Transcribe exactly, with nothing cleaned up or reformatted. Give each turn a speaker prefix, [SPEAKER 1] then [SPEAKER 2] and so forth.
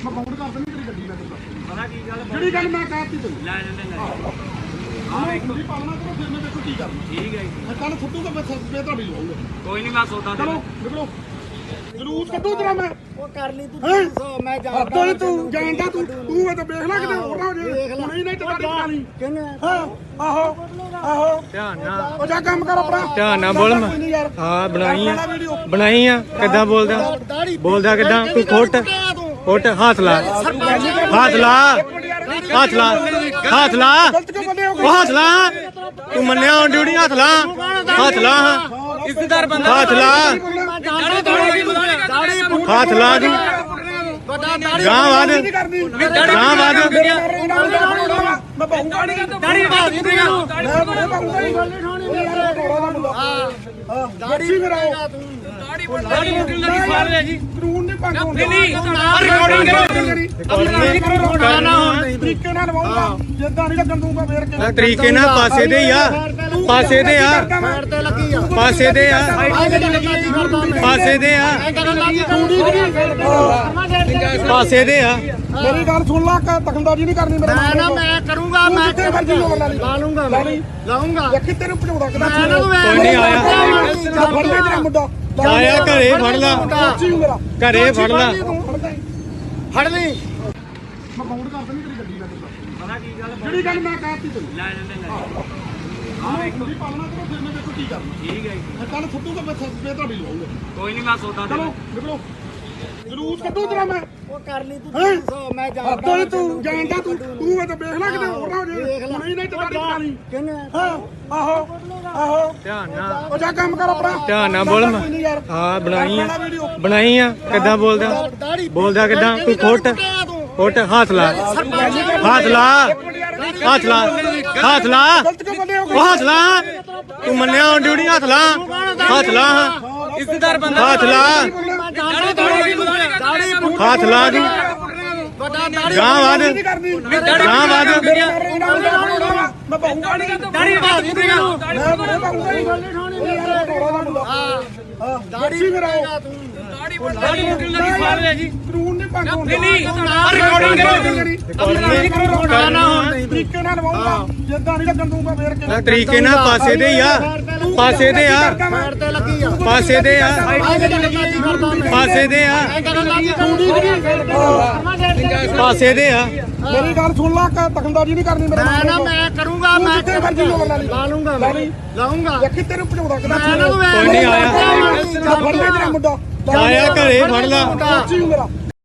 [SPEAKER 1] ਮੈਂ ਬਾਉਂਡ ਕਰ ਦਿੰਦੀ ਤੇਰੀ ਗੱਡੀ ਮੈਂ ਤੈਨੂੰ
[SPEAKER 2] ਪਤਾ ਕੀ ਗੱਲ
[SPEAKER 1] ਜਿਹੜੀ ਗੱਲ ਮੈਂ ਕਹਿਤੀ ਤੈਨੂੰ
[SPEAKER 2] ਲੈ ਜਾਂਦੇ ਲੈ
[SPEAKER 1] ਆਹ ਵੇਖੋ ਜੀ ਪਾਲਣਾ ਕਰੋ ਫਿਰ ਮੈਂ ਦੇਖੋ ਕੀ ਕਰਨਾ
[SPEAKER 2] ਠੀਕ ਹੈ ਜੀ
[SPEAKER 1] ਮੈਂ ਕੱਲ ਫੁੱਟੂਗਾ ਮੈਂ ਸਸਪੇ ਤੁਹਾਡੀ ਲਵਾਉਂਗਾ
[SPEAKER 2] ਕੋਈ ਨਹੀਂ ਮੈਂ ਸੌਦਾ ਦੇ
[SPEAKER 1] ਚਲੋ ਨਿਕਲੋ ਜਲੂਸ ਕੱਢੋ ਤੇਰਾ ਮੈਂ
[SPEAKER 3] ਉਹ ਕਰ ਲਈ ਤੂੰ
[SPEAKER 1] ਹੈਂ?
[SPEAKER 3] ਸੌ ਮੈਂ
[SPEAKER 1] ਹੱਦੋਂ
[SPEAKER 3] ਜਾਣਦਾ
[SPEAKER 1] ਹੀ ਤੂੰ ਜਾਣਦਾ ਤੂੰ ਤੂੰ ਇਹ ਤਾਂ ਵੇਖ ਲੈ ਕਿਤੇ ਹੋਰ ਨਾ ਹੋ ਜੇ ਹੁਣੇ ਨਹੀਂ ਟਕਾੜੀ ਟਕਾਣੀ
[SPEAKER 3] ਕਿੰਨੇ
[SPEAKER 1] ਹਾਂ ਆਹੋ ਆਹੋ
[SPEAKER 2] ਧਿਆਨ ਨਾਲ
[SPEAKER 1] ਉਹ ਜਾ ਕੰਮ ਕਰ ਆਪਣਾ
[SPEAKER 2] ਧਿਆਨ ਨਾਲ ਬੋਲ ਮੈਂ।
[SPEAKER 1] ਕੋਈ ਨੀ ਯਾਰ।
[SPEAKER 2] ਹਾਂ ਬਣਾਈ ਆ
[SPEAKER 1] ਆਪਣਾ ਵੀਡੀਓ
[SPEAKER 2] ਬਣਾਈ ਆ ਕਿੱਦਾਂ ਬੋਲਦਾ ਬੋਲਦਾ ਕਿੱਦਾਂ ਤੂੰ ਫੁੱਟ ਫੁੱਟ ਹੱਥ ਲਾ ਹੱਥ ਲਾ ਹੱਥ ਲਾ ਹੱਥ ਲਾ
[SPEAKER 1] ਗਲਤ ਕਿਉਂ ਬੰਦੇ ਹੋ
[SPEAKER 2] ਉਹ ਹੱਥ ਲਾ ਤੂੰ ਮੰਨਿਆ ਹੁਣ ਡਿਊਟੀ ਹੱਥ ਲਾ ਹੱਥ ਲਾ ਇੱਜ਼ਤਦਾਰ ਬੰਦਾ ਹੱਥ ਲਾ ਹੱਥ ਲਾ ਤੂੰ ਗਾਂ ਵਾਦ ਗਾਂ ਵਾਦ
[SPEAKER 1] ਮੈਂ ਬਾਹੂਗਾ ਨਹੀਂ
[SPEAKER 3] ਦਾੜੀ ਬਾਤ ਨਹੀਂ
[SPEAKER 1] ਮੈਂ ਬਾਹੂਗਾ ਨਹੀਂ ਗੱਲ ਨਹੀਂ ਠਾਣੀ ਹਾਂ ਦਾੜੀ ਫਿਰ ਆਓ
[SPEAKER 2] ਦਾੜੀ ਮੁੱਕਣ ਲੱਗੀ ਫਾਲ ਲੈ ਜੀ
[SPEAKER 1] ਕਾਨੂੰਨ ਨਹੀਂ ਭੰਗ ਹੁੰਦਾ
[SPEAKER 2] ਨਹੀਂ ਰਿਕਾਰਡਿੰਗ
[SPEAKER 1] ਕਰੋ ਤਰੀਕੇ ਨਾਲ ਲਵਾਉਂਗਾ ਜਿੱਦਾਂ ਨਹੀਂ ਲੱਗਣ ਦੂੰਗਾ ਫੇਰ ਕੇ
[SPEAKER 2] ਤਰੀਕੇ ਨਾਲ ਪਾਸੇ ਦੇ ਆ ਪਾਸੇ ਦੇ ਆ
[SPEAKER 3] ਸਾਈਡ ਤੇ ਲੱਗੀ ਆ
[SPEAKER 2] ਪਾਸੇ ਦੇ ਆ
[SPEAKER 3] ਸਾਈਡ ਤੇ ਲੱਗੀ ਕੀ ਕਰਦਾ ਮੈਂ
[SPEAKER 2] ਪਾਸੇ ਦੇ ਆ ਪਾਸੇ ਦੇ ਆ
[SPEAKER 1] ਮੇਰੀ ਗੱਲ ਸੁਣ ਲਾ ਕਿ ਦਖਲਅੰਦਾਜ਼ੀ ਨਹੀਂ ਕਰਨੀ ਮੇਰੇ
[SPEAKER 3] ਮੈਂ ਨਾ ਮੈਂ ਕਰੂੰਗਾ ਮੈਂ
[SPEAKER 1] ਜਿੱਥੇ ਮਰਜ਼ੀ ਲੋੜ ਲਾ ਲਈ
[SPEAKER 3] ਲਾ ਲੂੰਗਾ ਮੈਂ ਲਾਉਂਗਾ
[SPEAKER 1] ਦੇਖੀ ਤੈਨੂੰ ਭਜਾਉਂਦਾ ਕਿਦਾਂ
[SPEAKER 3] ਮੈਂ ਨਾ
[SPEAKER 2] ਕੋਈ ਨਹੀਂ ਆਇਆ
[SPEAKER 1] ਫੜ ਲੈ ਤੇਰਾ ਮੁੰਡਾ
[SPEAKER 2] ਆਇਆ ਘਰੇ ਫੜ ਲਾ
[SPEAKER 1] ਸੱਚੀ ਮੇਰਾ
[SPEAKER 2] ਘਰੇ ਫੜ ਲਾ
[SPEAKER 3] ਫੜ ਲਈ
[SPEAKER 1] ਮੈਂ ਬਾਉਂਡ ਕਰ ਦਿੰਦੀ ਤੇਰੀ ਗੱਡੀ ਮੈਂ ਤੈਨੂੰ
[SPEAKER 2] ਪਤਾ ਕੀ ਗੱਲ
[SPEAKER 1] ਜਿਹੜੀ ਗੱਲ ਮੈਂ ਕਹਿਤੀ ਤੈਨੂੰ
[SPEAKER 2] ਲੈ ਜਾਂਦੇ ਲੈ
[SPEAKER 1] ਆਹ ਵੇਖੋ ਜੀ ਪਾਲਣਾ ਕਰੋ ਫਿਰ ਮੈਂ ਦੇਖੋ ਕੀ ਕਰਨਾ
[SPEAKER 2] ਠੀਕ ਹੈ ਜੀ
[SPEAKER 1] ਮੈਂ ਕੱਲ ਫੁੱਟੂਗਾ ਮੈਂ ਸਸਪੇ ਤੁਹਾਡੀ ਲਵਾਉਂਗਾ
[SPEAKER 2] ਕੋਈ ਨਹੀਂ ਮੈਂ ਸੌਦਾ ਦੇ
[SPEAKER 1] ਚਲੋ ਨਿਕਲੋ ਜਲੂਸ ਕੱਢੋ ਤੇਰਾ ਮੈਂ
[SPEAKER 3] ਉਹ ਕਰ ਲਈ ਤੂੰ
[SPEAKER 1] ਹੈਂ?
[SPEAKER 3] ਸੌ ਮੈਂ
[SPEAKER 1] ਹੱਦੋਂ
[SPEAKER 3] ਜਾਣਦਾ
[SPEAKER 1] ਹੀ ਤੂੰ ਜਾਣਦਾ ਤੂੰ ਤੂੰ ਇਹ ਤਾਂ ਵੇਖ ਲੈ ਕਿਤੇ ਹੋਰ ਨਾ ਹੋ ਜੇ ਹੁਣੇ ਨਹੀਂ ਟਕਾੜੀ ਟਕਾਣੀ
[SPEAKER 3] ਕਿੰਨੇ
[SPEAKER 1] ਹਾਂ ਆਹੋ ਆਹੋ
[SPEAKER 2] ਧਿਆਨ ਨਾਲ
[SPEAKER 1] ਉਹ ਜਾ ਕੰਮ ਕਰ ਆਪਣਾ
[SPEAKER 2] ਧਿਆਨ ਨਾਲ ਬੋਲ ਮੈਂ।
[SPEAKER 1] ਕੋਈ ਨੀ ਯਾਰ।
[SPEAKER 2] ਹਾਂ ਬਣਾਈ ਆ
[SPEAKER 1] ਆਪਣਾ ਵੀਡੀਓ
[SPEAKER 2] ਬਣਾਈ ਆ ਕਿੱਦਾਂ ਬੋਲਦਾ ਬੋਲਦਾ ਕਿੱਦਾਂ ਤੂੰ ਫੁੱਟ ਫੁੱਟ ਹੱਥ ਲਾ ਹੱਥ ਲਾ ਹੱਥ ਲਾ ਹੱਥ ਲਾ
[SPEAKER 1] ਗਲਤ ਕਿਉਂ ਬੰਦੇ ਹੋ
[SPEAKER 2] ਉਹ ਹੱਥ ਲਾ ਤੂੰ ਮੰਨਿਆ ਹੁਣ ਡਿਊਟੀ ਹੱਥ ਲਾ ਹੱਥ ਲਾ ਇੱਜ਼ਤਦਾਰ ਬੰਦਾ ਹੱਥ ਲਾ ਹੱਥ ਲਾ ਤੂੰ ਗਾਂ ਵਾਦ ਗਾਂ ਵਾਦ
[SPEAKER 1] ਮੈਂ ਬਾਹੂਗਾ ਨਹੀਂ
[SPEAKER 3] ਦਾੜੀ ਬਾਤ ਨਹੀਂ
[SPEAKER 1] ਮੈਂ ਬਾਹੂਗਾ ਨਹੀਂ ਗੱਲ ਨਹੀਂ ਠਾਣੀ ਹਾਂ ਦਾੜੀ ਫਿਰ ਆਓ
[SPEAKER 2] ਦਾੜੀ ਮੁੱਕਣ ਲੱਗੀ ਫਾਲ ਲੈ ਜੀ
[SPEAKER 1] ਕਾਨੂੰਨ ਨਹੀਂ ਭੰਗ ਹੁੰਦਾ
[SPEAKER 2] ਨਹੀਂ
[SPEAKER 1] ਰਿਕਾਰਡਿੰਗ ਤਰੀਕੇ ਨਾਲ ਲਵਾਉਂਗਾ ਜਿੱਦਾਂ ਨਹੀਂ ਲੱਗਣ ਦੂੰਗਾ ਫੇਰ ਕੇ
[SPEAKER 2] ਤਰੀਕੇ ਨਾਲ ਪਾਸੇ ਦੇ ਆ ਪਾਸੇ ਦੇ ਆ
[SPEAKER 3] ਸਾਈਡ ਤੇ ਲੱਗੀ ਆ
[SPEAKER 2] ਪਾਸੇ ਦੇ ਆ
[SPEAKER 3] ਸਾਈਡ ਤੇ ਲੱਗੀ ਕੀ ਕਰਦਾ ਮੈਂ
[SPEAKER 2] ਪਾਸੇ ਦੇ ਆ ਪਾਸੇ ਦੇ ਆ
[SPEAKER 1] ਮੇਰੀ ਗੱਲ ਸੁਣ ਲਾ ਕਿ ਦਖਲਅੰਦਾਜ਼ੀ ਨਹੀਂ ਕਰਨੀ ਮੇਰੇ
[SPEAKER 3] ਮੈਂ ਨਾ ਮੈਂ ਕਰੂੰਗਾ ਮੈਂ
[SPEAKER 1] ਜਿੱਥੇ ਮਰਜ਼ੀ ਲੋੜ ਲਾ ਲਈ
[SPEAKER 3] ਲਾ ਲੂੰਗਾ ਮੈਂ ਲਾਉਂਗਾ
[SPEAKER 1] ਦੇਖੀ ਤੈਨੂੰ ਭਜਾਉਂਦਾ ਕਿਦਾਂ
[SPEAKER 3] ਮੈਂ ਨਾ
[SPEAKER 2] ਕੋਈ ਨਹੀਂ ਆਇਆ
[SPEAKER 1] ਫੜ ਲੈ ਤੇਰਾ ਮੁੰਡਾ
[SPEAKER 2] ਆਇਆ ਘਰੇ ਫੜ ਲਾ
[SPEAKER 1] ਸੱਚੀ ਮੇਰਾ